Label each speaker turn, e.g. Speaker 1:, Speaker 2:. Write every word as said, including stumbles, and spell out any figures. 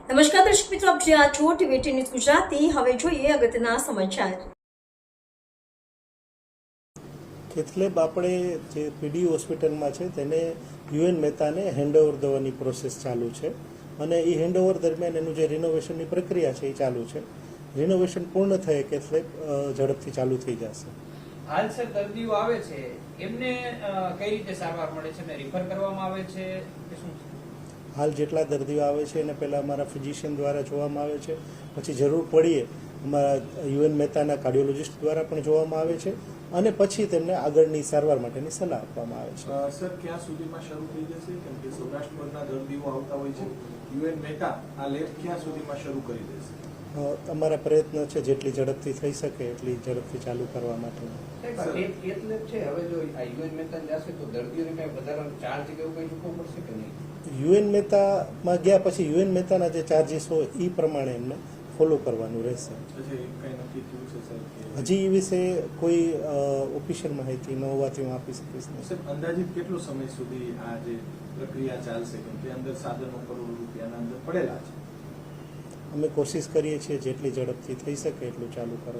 Speaker 1: નમસ્કાર દર્શક મિત્રો, આપ જોઈ છો ટીવી ન્યૂઝ ગુજરાતી. હવે જોઈએ અગત્યના સમાચાર.
Speaker 2: કેથલેબ આપણે જે પીડી હોસ્પિટલમાં છે તેને યુએન મહેતાને હેન્ડઓવર દેવાની પ્રોસેસ ચાલુ છે અને એ હેન્ડઓવર દરમિયાન એનું જે રિનોવેશનની પ્રક્રિયા છે એ ચાલુ છે. રિનોવેશન પૂર્ણ થયે કેથલેબ ઝડપથી ચાલુ થઈ જશે.
Speaker 3: હાલ સર દર્દીઓ આવે છે એમને કઈ રીતે સારવાર મળે છે, રિફર કરવામાં આવે છે કે શું?
Speaker 2: હાલ જેટલા દર્દીઓ આવે છે એને પહેલાં અમારા ફિઝિશિયન દ્વારા જોવામાં આવે છે, પછી જરૂર પડીએ અમારા યુએન મહેતાના કાર્ડિયોલોજિસ્ટ દ્વારા પણ જોવામાં આવે છે અને પછી તેમને આગળની સારવાર માટેની સલાહ આપવામાં આવે છે.
Speaker 4: સર ક્યાં સુધીમાં શરૂ થઈ જશે? કેમ કે સૌરાષ્ટ્રના દર્દીઓ આવતા હોય છે, યુએન મહેતા આ લેબ ક્યાં સુધીમાં શરૂ કરી દેશે?
Speaker 2: અમારા પ્રયત્ન છે જેટલી ઝડપથી થઈ શકે એટલી ઝડપથી ચાલુ કરવા માટે. યુએન મહેતામાં ગયા પછી યુએન મહેતાના જે ચાર્જીસ હોય એ પ્રમાણે એમને ફોલો કરવાનું રહેશે. હજી એ વિશે કોઈ ઓફિશિયલ માહિતી ન હોવાથી હું આપી શકીશ નહીં.
Speaker 4: અંદાજિત કેટલો સમય સુધી આ જે પ્રક્રિયા ચાલશે? કેમ કે અંદર સાધનો કરોડો રૂપિયાના અંદર પડેલા છે.
Speaker 2: અમે કોશિશ કરીએ છીએ જેટલી ઝડપથી થઈ શકે એટલું ચાલુ કરવા.